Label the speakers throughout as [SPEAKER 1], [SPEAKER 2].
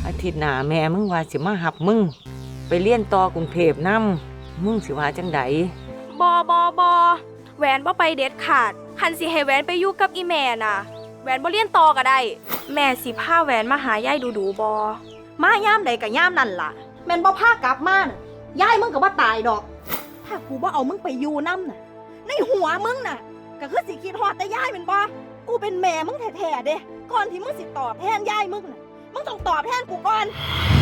[SPEAKER 1] อาทิตย์หน้าแม่มึงว่าสิมาหับมึงไปเรียนต่อกรุงเทพนำมึงสิว่าจังได
[SPEAKER 2] บอแหวนบ่ไปเด็ดขาดคันสิให้แหวนไปอยู่กับอีแม่น่ะแหวนบ่เรียนต่อก็ได้แม่สิพาแหวนมาหายายดูบอ
[SPEAKER 3] มาย่ามใดกับย่ามนั่นล่ะแม่นบ่พากลับมาน่ะยายมึงก็บ่ตายดอกถ้ากูบ่เอามึงไปอยู่นำน่ะในหัวมึงน่ะก็คือสิคิดฮอดแต่ยายแม่นบ่กูเป็นแม่มึงแท้ๆเด้ก่อนที่มึงสิตอบแทนยายมึงน่ะมึงต้องตอบแทนกูก่อน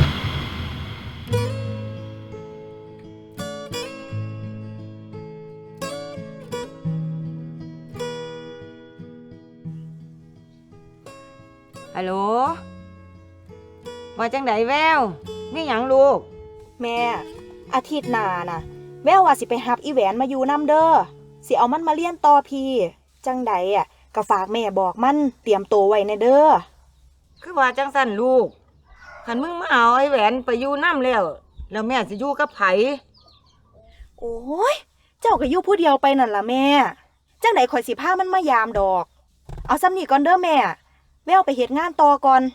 [SPEAKER 1] ฮัลโหลว่าจังไดแววมีหยังลูก
[SPEAKER 3] แม่อาทิตย์หน้าน่ะแววว่าสิไปรับอีแหวนมาอยู่นำเด้อสิเอามันมาเรียนต่อพี่จังใดอ่ะก็ฝากแม่บอกมันเตรียมตัวไว้ในเด้อ
[SPEAKER 1] คือว่าจังสั่นลูกคันมึงมาเอาไอ้แหวนไปอยู่นำแล้วแม่สิอยู่กับไผ
[SPEAKER 3] โอ้ยเจ้าก็อยู่ผู้เดียวไปนั่นล่ะแม่จังใดข่อยสิพามันมายามดอกเอาซ้ำนี่ก่อนเด้อแม่แววไปเฮ็ดงานต่อก่อน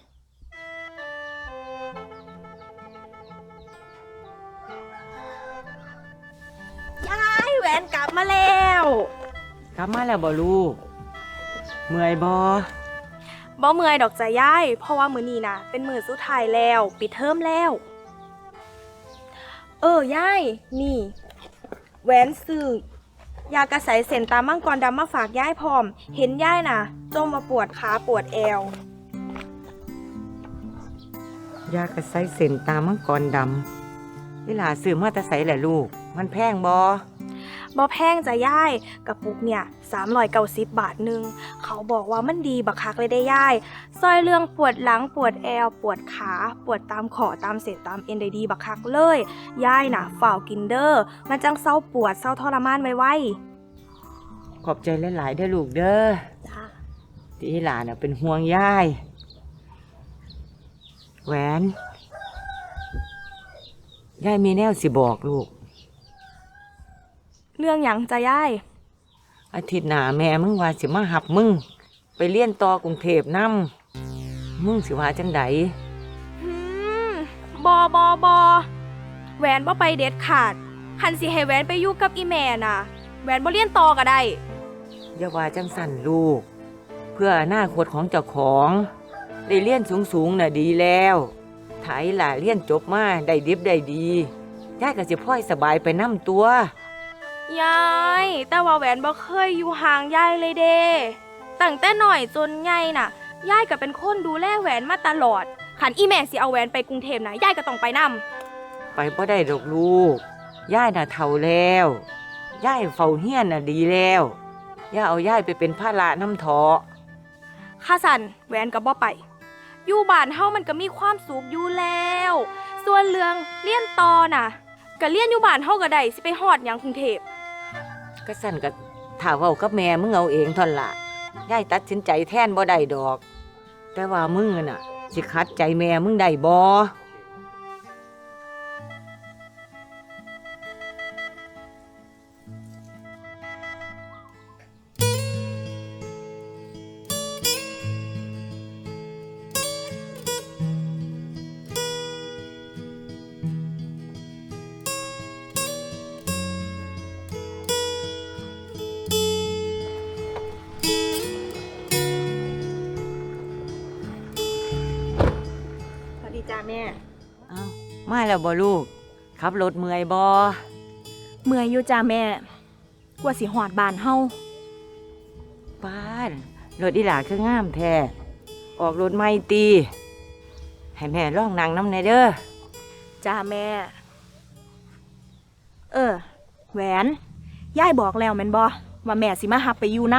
[SPEAKER 2] ยายแหวนกลับมาแล้ว
[SPEAKER 1] กลับมาแล้วบ่ลูกเมื่อยบ่
[SPEAKER 2] เมื่อยดอกจ้ะยายเพราะว่ามื้อนี้น่ะเป็นมื้อสุดท้ายแล้วปิดเทอมแล้วยายนี่แหวนซื้อยากระใสเส้นตามังกรดำมาฝากยายพร้อมเห็นยายน่ะจมมาปวดขาปวดแอวย
[SPEAKER 1] ากระไสเส้นตามังกรดำเวลาซื้อมาแต่ไสแหละลูกมันแพงบ่
[SPEAKER 2] แพงจ้ะยายกระปุกเนี่ย390 บาทนึงเขาบอกว่ามันดีบักคักเลยได้ยายซอยเรื่องปวดหลังปวดแอวปวดขาปวดตามข้อตามเส้นตามเอ็นได้ดีบักคักเลยยายน่ะฝ่าวกินเด้อมันจังเศร้าปวดเศร้าทรมานไว
[SPEAKER 1] ๆขอบใจหลายๆเด้อลูกเด้อจ้าที่หลานน่ะเป็นห่วงยายแหวนยายมีแนวสิบอกลูก
[SPEAKER 2] เรื่องหยังจ้ะยาย
[SPEAKER 1] อาทิตย์หน้าแม่มึงว่าสิมาหับมึงไปเรียนต่อกรุงเทพนำมึงสิว่าจังได
[SPEAKER 2] บแหวนบ่ไปเด็ดขาดคันสิให้แหวนไปอยู่กับอีแม่น่ะแหวนบ่เรียนต่อก็ได้
[SPEAKER 1] อย่าว่าจังสั่นลูกเพื่ออนาคตของเจ้าของได้เรียนสูงๆน่ะดีแล้วถ้าอีหล่าเรียนจบมาได้ดิบได้ดียายก็สิพลอยสบายไปนำตัวย
[SPEAKER 2] ายแต่ว่าแหวนบ่เคยอยู่ห่างยายเลยเด้ตั้งแต่หน่อยจนใหญ่น่ะยายก็เป็นคนดูแลแหวนมาตลอดคันอีแม่สิเอาแหวนไปกรุงเทพน่ะยายก็ต้องไปนำ
[SPEAKER 1] ไปบ่ได้ดอกลูกยายน่ะเฒ่าแล้วยายเฝ้าเฮียนน่ะดีแล้วอย่าเอายายไปเป็นภาระนำเถาะ
[SPEAKER 2] ข้าสั่นแหวนก็บ่ไปอยู่บ้านเฮามันก็มีความสุขอยู่แล้วส่วนเรื่องเรียนต่อน่ะก็เรียนอยู่บ้านเฮาก็ได้สิไปฮอดหยังกรุงเทพ
[SPEAKER 1] ก็สั่นก็ถ้าเว้ากับแม่มึงเอาเองท่อนล่ะยายตัดสินใจแทนบ่ได้ดอกแต่ว่ามึงน่ะสิขัดใจแม่มึงได้บ่
[SPEAKER 3] จ้าแม่
[SPEAKER 1] อ้าวมาแล้วบ่ลูกขับรถเมื่อยบ่
[SPEAKER 3] เมื่อยอยู่จ้าแม่กว่าสิฮอดบ้านเฮา
[SPEAKER 1] ป้ารถอีหล่าคืองามแท้ออกรถใหม่ติให้แม่ลองนั่งนำแน่เด้อ
[SPEAKER 3] จ้าแม่แหวนยายบอกแล้วแม่นบ่ว่าแม่สิมารับไปอยู่น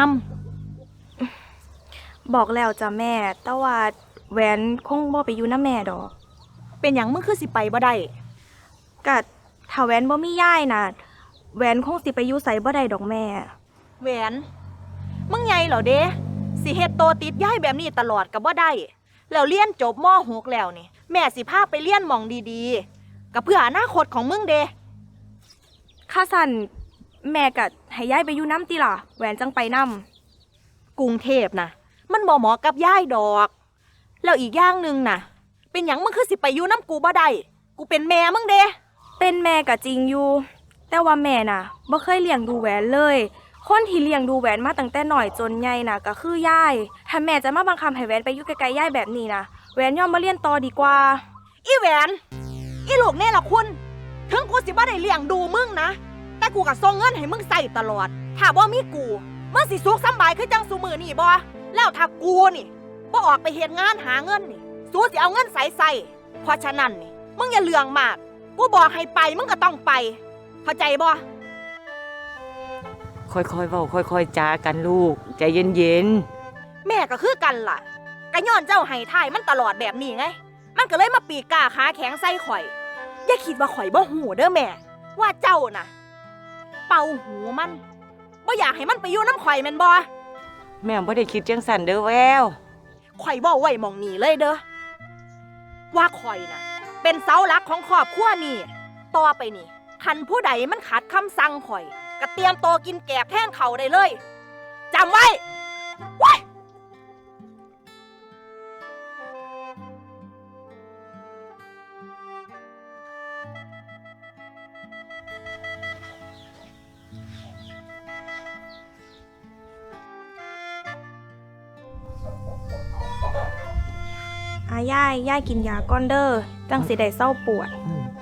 [SPEAKER 2] ำบอกแล้วจ้าแม่แต่ว่าแหวนคงบ่ไปอยู่นำแม่ดอก
[SPEAKER 3] เป็นหยังมึงคือสิไปบ่ได้
[SPEAKER 2] ก็ถ้าแหวนบ่มียายน่ะแหวนคงสิไปอยู่ไสบ่ได้ดอกแม่
[SPEAKER 3] แหวนมึงใหญ่เหรอเด้สิเฮ็ดโตติดยายแบบนี้ตลอดก็บ่ได้แล้วเรียนจบม.6 แล้วนี่แม่สิพาไปเรียนหม่องดีๆก็เพื่ออนาคตของมึงเด้
[SPEAKER 2] ข้าสั่นแม่ก็ให้ยายไปอยู่นำติล่ะแหวนจังไปนำ
[SPEAKER 3] กรุงเทพน่ะมันบ่เหมาะกับยายดอกแล้วอีกอย่างนึงน่ะไปเป็นหยังมึงคือสิไปอยู่น้ำกูบ่ได้กูเป็นแม่มึงเด้
[SPEAKER 2] เป็นแม่ก็จริงอยู่ แต่ว่าแม่น่ะบ่เคยเลี้ยงดูแหวนเลย คนที่เลี้ยงดูแหวนมาตั้งแต่หน่อยจนใหญ่น่ะก็คือยายถ้าแม่จะมาบังคับให้แหวนไปอยู่ไกลๆยายแบบนี้นะแหวนยอมมาเรียนต่อดีกว่า
[SPEAKER 3] อีแหวนอีลูกแน่ละคุณถึงกูสิบ่ได้เลี้ยงดูมึงนะแต่กูก็ส่งเงินให้มึงใส่ตลอดถ้าบ่มีกูมึงสิสุขสำบายคือจังซุมื้อนี่บ่แล้วถ้ากูนี่บ่ออกไปเฮ็ดงานหาเงินนี่สู้สิเอาเงินใส่เพราะฉะนั้นนี่มึงอย่าเลืองมากกูบอกให้ไปมึงก็ต้องไปเข้าใจบ่
[SPEAKER 1] ค่อยๆเว้าค่อยๆจากันลูกใจเย็น
[SPEAKER 3] แม่ก็คือกันล่ะก็ย้อนเจ้าให้ทายมันตลอดแบบนี้ไงมันก็เลยมาปีกกาขาแข็งใส่ข่อยอย่าคิดว่าข่อยบ่หูเด้อแม่ว่าเจ้าน่ะเป่าหูมันบ่อยากให้มันไปอยู่น้ำข่อยแม่นบ่
[SPEAKER 1] ๆแม่บ่ได้คิดจังสั่นเด้อแวว
[SPEAKER 3] ข่อยบ่ไว้หม่องนี้เลยเด้อว่าข่อยน่ะเป็นเสาหลักของครอบครัวนี่ต่อไปนี่คันผู้ใดมันขัดคำสั่งข่อยก็เตรียมตัวกินแกบแทนเขาได้เลยจำไว้ไว้
[SPEAKER 2] ยายกินยาก้อนเด้อจังสิได้เศร้าปวด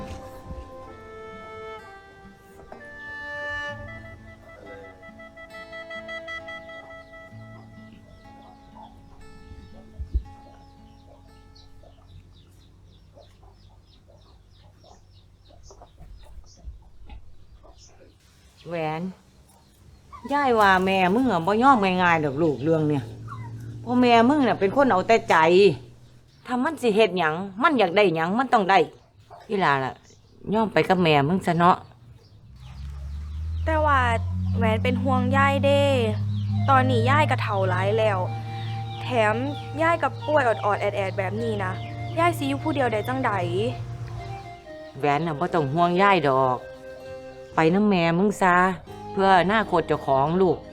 [SPEAKER 1] แหวนย่ายว่าแม่มึงบ่ยอมง่ายๆดอกลูกเรื่องเนี่ยเพราะแม่มึงน่ะเป็นคนเอาแต่ใจถ้ามันสิเฮ็ดหยังมันอยากได้หยังมันต้องได้อีหล่ะล่ะยอมไปกับแม่มึงซะเนาะ
[SPEAKER 2] แต่ว่าแหวนเป็นห่วงยายเด้ ตอนนี้ยายก็เฒ่าหลายแล้ว แถมยายกับป่วยอดๆแอดๆแบบนี้นะยายสิอยู่ผู้เดียวได้จังใด
[SPEAKER 1] แหวนน่ะบ่ต้องห่วงย่ายดอก ไปน้ำแม่มึงซะเพื่ออนาคตเจ้าของลูก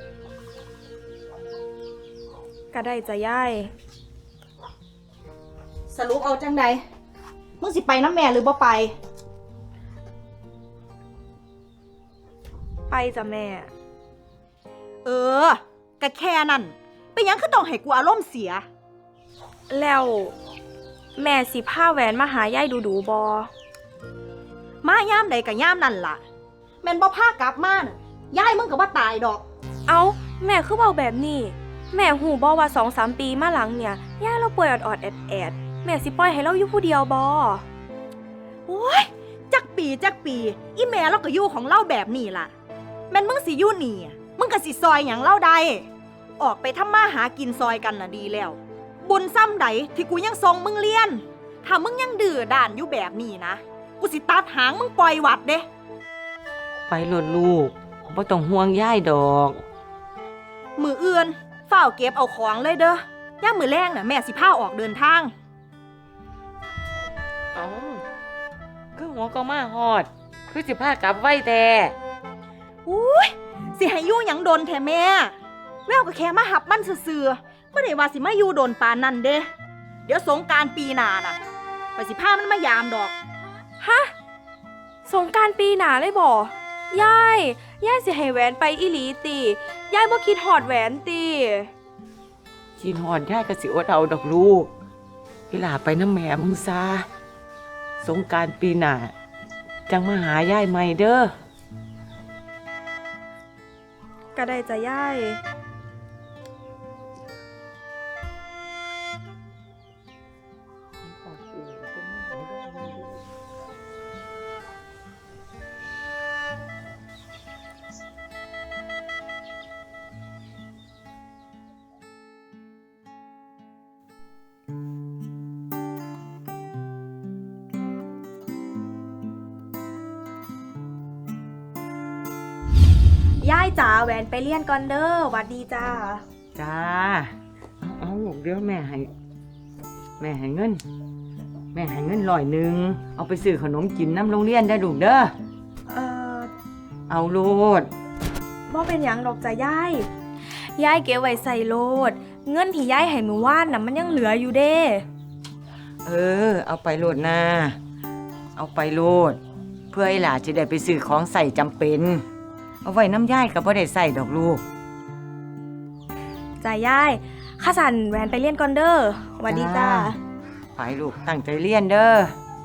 [SPEAKER 2] ก็ได้จะยาย
[SPEAKER 3] สรุปเอาจังใดมึงสิไปน้ำแม่หรือบ่ไป
[SPEAKER 2] ไปจ้ะแม่
[SPEAKER 3] ก็แค่นั้นเป็นหยังคือต้องให้กูอารมณ์เสีย
[SPEAKER 2] แล้วแม่สิพาแหวนมาหายายดูๆบอ
[SPEAKER 3] มาย่ามใดกับย่ามนั่นล่ะแม่นบ่พากลับมาน่ะยายมึงก็บ่ตายดอก
[SPEAKER 2] เอาแม่คือเบาแบบนี้ แม่หูบอว่า2-3 ปีมาหลังเนี่ยยายเราป่วยอดๆแอดๆแม่สิปล่อยให้เราอยู่ผู้เดียวบอ
[SPEAKER 3] โอ้ยจักปีอีแม่เราก็อยู่ของเราแบบนี้ล่ะแม่นมึงสิอยู่นี่มึงก็สิซอยหยังเล่าใดออกไปทำมาหากินซอยกันน่ะดีแล้ว บุญซ้ำใดที่กูยังส่งมึงเรียนถ้ามึงยังดื้อด้านอยู่แบบนี้นะกูสิตัดหางมึงปล่อยวัดเด้
[SPEAKER 1] ไปโลดลูกบ่ต้องห่วงย่ายดอก
[SPEAKER 3] มืออื่นเฝ้าวเก็บเอาของเลยเด้อย่ามมือแรงน่ะแม่สิพาออกเดินทาง
[SPEAKER 1] เอ้าคือหัวก็มาฮอด คือสิพากลับไว้แต่
[SPEAKER 3] อุ้ยสิให้อยู่หยังโดนแท้แม่แววก็แค่มาหับมันซื่อๆไม่ได้ว่าสิมาอยู่โดนปานนั่นเด้เดี๋ยวสงกรานต์ปีหน้าน่ะไปสิพามันมายามดอก
[SPEAKER 2] ฮะสงกรานต์ปีหน้าเลยบอยายสิให้แหวนไปอีหลีติยายบ่คิดหอดแหวนติ
[SPEAKER 1] ชินฮอดย่ายก็สิอดเอาดอกลูกอีหล่าไปน้ำแม่มึงซะสงกรานต์ปีหน้าจังมาหาย่ายใหม่เด้อ
[SPEAKER 2] ก็ได้จะยาย ยายจ๋าแหวนไปเรียนก่อนเด้อหวัดดีจ้า
[SPEAKER 1] จ้า เอาลูกเดี๋ยวแม่ให้เงิน แม่ให้เงิน100เอาไปซื้อขนมกินน้ำโรงเรียนได้ลูกเด้อ
[SPEAKER 2] เอ่อ
[SPEAKER 1] เอาโลด
[SPEAKER 2] บ่เป็นหยังดอกจ้ะยายยายเก็บไว้ใส่โลด เงินที่ยายให้มื้อวานน่ะมันยังเหลืออยู่เด้
[SPEAKER 1] เอาไปโลดนาเอาไปโลด เพื่อให้หลานจะได้ไปซื้อของใส่จำเป็น เอาไว้น้ำย่ายก็บ่ได้ใส่ดอกลูก
[SPEAKER 2] จ้ายายข้าสันแหวนไปเรียนก่อนเด้อสวัสดีจ้า
[SPEAKER 1] ไปลูกตั้งใจเรียนเด้อ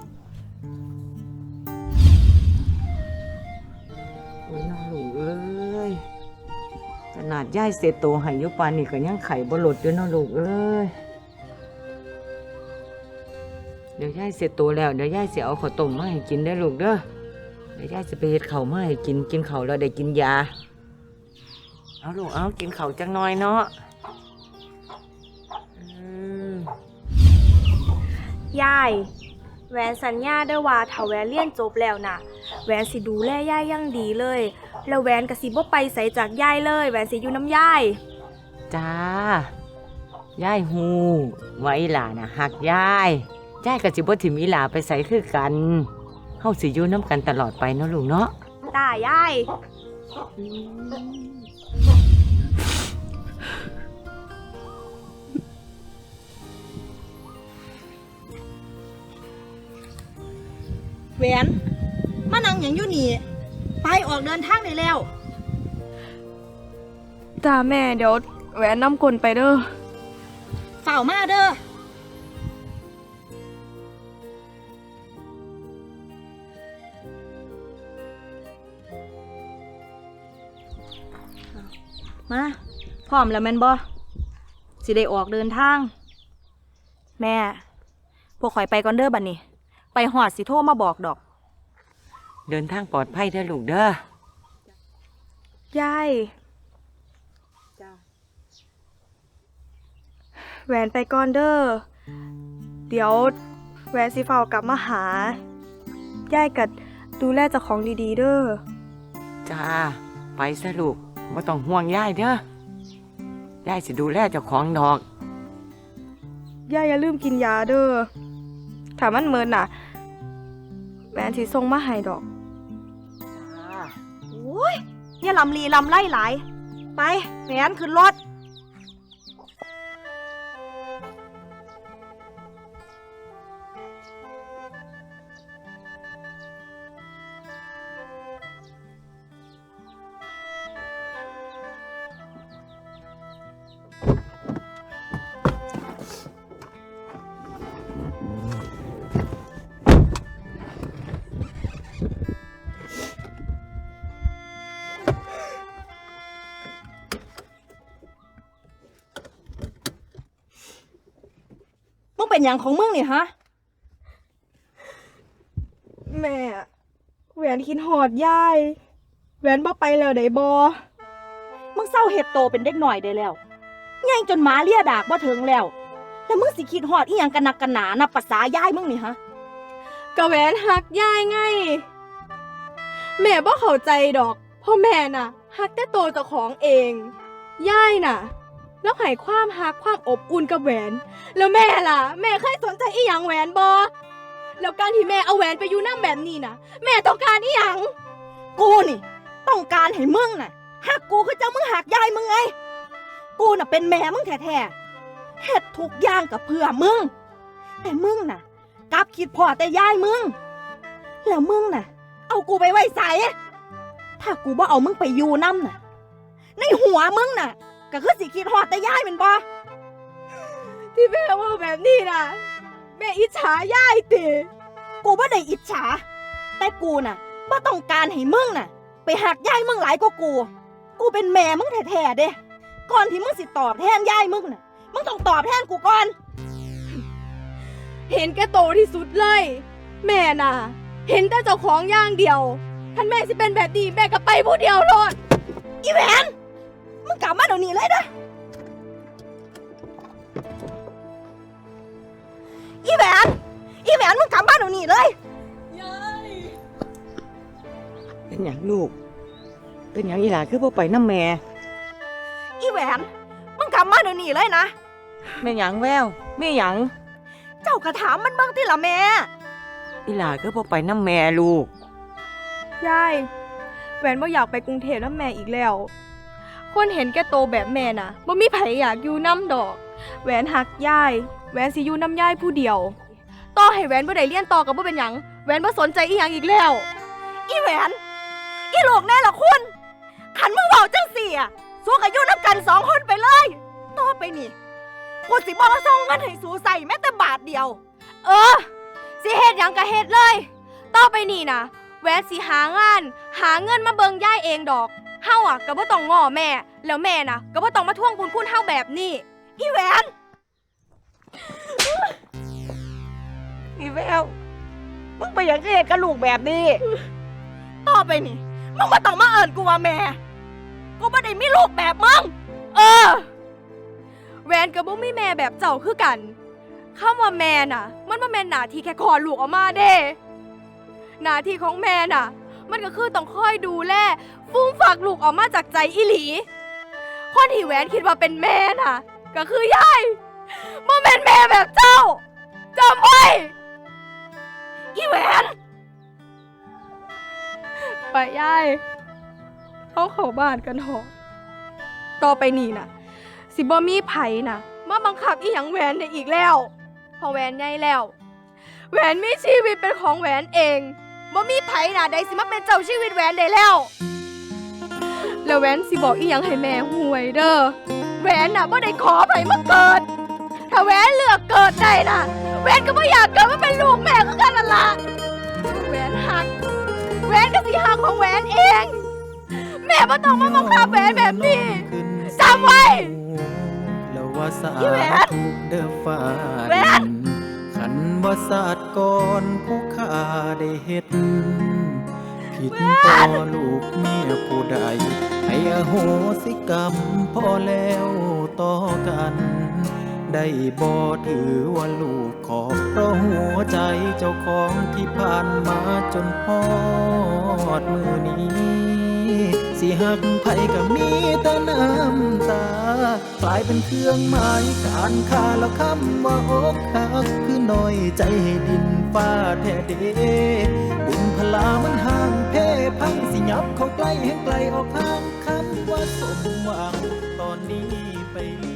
[SPEAKER 1] โอ้ยน้องลูกเอ้ยขนาดย่ายเสร็จโตให้อยุปานนี่ก็ยังไข่บ่หลดอยู่น้องลูกเอ้ยเดี๋ยวย่ายเสร็จโตแล้วเดี๋ยวย่ายสิเอาข้าวต้มมาให้กินได้อลูกเด้อเดี๋ยวย่ายจะไปเฮ็ดข้าวมาให้กินข้าวแล้วได้กินยาเอาลูกเอากินข้าวจังน้อยเนาะ
[SPEAKER 2] ยายแหวนสัญญาเด้อว่าถ้าแหวนเรียนจบแล้วน่ะแหวนสิดูแลยายอย่างดีเลยแล้วแหวนก็สิบ่ไปไสจากยายเลยแหวนสิอยู่น้ำยาย
[SPEAKER 1] จ้า ยายฮู้ว่าอีหลาน่ะหักยายยายก็สิบ่ถิ่มอีหลาไปไสคือกันเฮาสิอยู่นำกันตลอดไปเนาะลูกเนาะ
[SPEAKER 2] ตายาย
[SPEAKER 3] แหวนมานั่งหยังอยู่นี่ไปออกเดินทางได้แล้ว
[SPEAKER 2] จ้าแม่เดี๋ยวแหวนนำกลไปเด้อ
[SPEAKER 3] เฝ้ามาเด้อมาพร้อมแล้วแม่นบ่สิได้ออกเดินทาง แม่พวกข่อยไปก่อนเด้อบัดนี้ ไปหอดสิโทรมาบอกดอก
[SPEAKER 1] เดินทางปลอดภัยเด้อลูกเด้อย
[SPEAKER 2] ายแหวนไปก่อนเด้อเดี๋ยวแหวนสิเฝ้ากลับมาหายายกัดดูแลเจ้าของดีๆเด้อ
[SPEAKER 1] จ้าไปซะลูกบ่ต้องห่วงยายเด้อยายสิดูแลเจ้าของดอก
[SPEAKER 2] ยายอย่าลืมกินยาเด้อถ้ามันเมินน่ะแหวนสิส่งมาให้ดอก
[SPEAKER 1] จ้า
[SPEAKER 3] โอ้ยอย่าลำลีลำไล่หลาย ไปแหวนขึ้นรถ มึงเป็นอย่างของมึงนี่ฮะ
[SPEAKER 2] แม่แหวนคิดหอดยายแหวนบ่ไปแล้วได้บ่
[SPEAKER 3] มึงเศร้าเห็ดโตเป็นเด็กหน่อยได้แล้วง่ายจนหมาเลียดากบ่ถึงแล้ว แล้วมึงสิคิดฮอดอีหยังกันนักกันหนานับภาษายายมึงนี่ฮะ
[SPEAKER 2] ก็แหวนหักยายไงแม่บ่เข้าใจดอกเพราะแม่น่ะหักแต่โตวเจ้าของเองยายน่ะ แล้วให้ความหักความอบอุ่นกับแหวน แล้วแม่ล่ะ แม่เคยสนใจอีหยังแหวนบ่แล้วการที่แม่เอาแหวนไปอยู่นำแบบนี้น่ะ แม่ต้องการอีหยัง
[SPEAKER 3] กูนี่ ต้องการให้มึงน่ะหักกูคือเจ้ามึงหักยายมึงไง กูน่ะเป็นแม่มึงแท้ๆเฮ็ดทุกอย่างกับเพื่อมึง แต่มึงน่ะกลับคิดพอแต่ยายมึง แล้วมึงน่ะ เอากูไปไว้ใส่ถ้ากูบ่เอามึงไปอยู่นำน่ะ ในหัวมึงน่ะ ก็คือสิคิดฮอดแต่ยายแม่นบ่
[SPEAKER 2] ที่แม่ว่าแบบนี้น่ะแม่อิจฉายายติ
[SPEAKER 3] กูบ่ได้อิจฉา แต่กูน่ะบ่ต้องการให้มึงน่ะ ไปหักยายมึงหลายกว่ากู กูเป็นแม่มึงแท้ๆเด้ก่อนที่มึงสิตอบแทนยายมึงน่ะ มึงต้องตอบแทนกูก่อน
[SPEAKER 2] เห็นแก่โตที่สุดเลย แม่น่ะ เห็นแต่เจ้าของอย่างเดียวท่านแม่สิเป็นแบบนี้แม่ก็ไปผู้เดียวโลด
[SPEAKER 3] อีแหวนมึงกลับมาเดี๋ยวนี้เลยนะอีแหวนมึงกลับมาเดี๋ยวนี้เลย
[SPEAKER 1] เป็นหยังลูก เป็นหยังอีหลาคือบ่ไปน้ำแม่
[SPEAKER 3] อีแหวนมึงกลับมาเดี๋ยวนี้เลยนะ
[SPEAKER 1] แม่หยังแววแม่หยัง
[SPEAKER 3] เจ้ากระถามมันเบ้างที่ละแม่
[SPEAKER 1] อีหลาคือบ่ไปน้ำแม่ลูก
[SPEAKER 2] ยายแหวนบ่อยากไปกรุงเทพแล้วแม่อีกแล้ว คนเห็นแก่โตแบบแม่น่ะบ่มีไผอยากอยู่น้ำดอกแหวนหักยายแหวนสิอยู่น้ำยายผู้เดียวต่อให้แหวนบ่ได้เรียนต่อก็บ่เป็นหยังแหวนบ่สนใจอีหยังอีกแล้ว
[SPEAKER 3] อีแหวนอีลูกแน่ละคุณขันมึงเว้าจังสี่อะสู้กับอยู่น้ำกัน2 คนไปเลยต่อไปนี่กูสิบ่ส่งเงินให้สูใส่แม้แต่บาทเดียว
[SPEAKER 2] สิเฮ็ดหยังก็เฮ็ดเลย ต่อไปนี่นะแหวนสิหางาน หาเงินมาเบิงย่ายเองดอกเฮาอ่ะก็บ่ต้องง้อแม่ แล้วแม่น่ะก็บ่ต้องมาทวงบุญคุณเฮาแบบนี้
[SPEAKER 3] อีแหวน
[SPEAKER 1] อีแววมึงไปอย่างที่เห็นกับลูกแบบนี้
[SPEAKER 3] ต่อไปนี่มึงบ่ต้องมาเอิ้นกูว่าแม่กูบ่ได้มีลูกแบบมึง
[SPEAKER 2] แหวนกับบ่มีแม่แบบเจ้าคือกันคำว่าแม่น่ะ มันบ่แม่นหน้าที่แค่คลอดลูกออกมาเด้หน้าที่ของแม่น่ะ มันก็คือต้องคอยดูแลฟูมฝากลูกออกมาจากใจอีหลีคนที่แหวนคิดว่าเป็นแม่น่ะ ก็คือยายบ่แม่นแม่แบบเจ้าจำไว้
[SPEAKER 3] อีแหวน
[SPEAKER 2] ไปยายเข้าบ้านกันเถอะต่อไปนี่น่ะ สิบ่มีไผน่ะมาบังคับอีหยังแหวนได้อีกแล้วพอแหวนใหญ่แล้วแหวนมีชีวิตเป็นของแหวนเองบ่มีไผน่ะใดสิมาเป็นเจ้าชีวิตแหวนได้แล้วแล้วแหวนสิบอกอีหยังให้แม่ห่วยเด้อแหวนน่ะบ่ได้ขอไผมาเกิดถ้าแหวนเลือกเกิดได้น่ะแหวนก็บ่อยากเกิดมาเป็นลูกแม่คือกันนั่นล่ะแหวนหักแหวนก็สิหักของแหวนเองแม่บ่ต้องมาบังคับแหวนแบบนี้จำไว้
[SPEAKER 4] แล้วว่าสา
[SPEAKER 3] อีแหวน
[SPEAKER 4] ถูกเด้อฟ้า
[SPEAKER 3] แหวน
[SPEAKER 4] ขันว่าศาสตร์ก่อนผู้ข้าได้เฮ็ดผิดต่อลูกเมียผู้ใดให้อโหสิกรรมพอแล้วต่อกัน ได้บ่ถือว่าลูกขอบเพราะหัวใจเจ้าของที่ผ่านมาจนฮอดมือนี้ สิหักไผก็มีแต่น้ำตากลายเป็นเครื่องหมายการค่าแล้วคำว่าอกหักคือน้อยใจให้ดินฟ้าแท้เดบุญพลามันห่างเพพังสิยับเข้าใกล้ให้ไกลออกทางคำว่าสมหวังตอนนี้ไป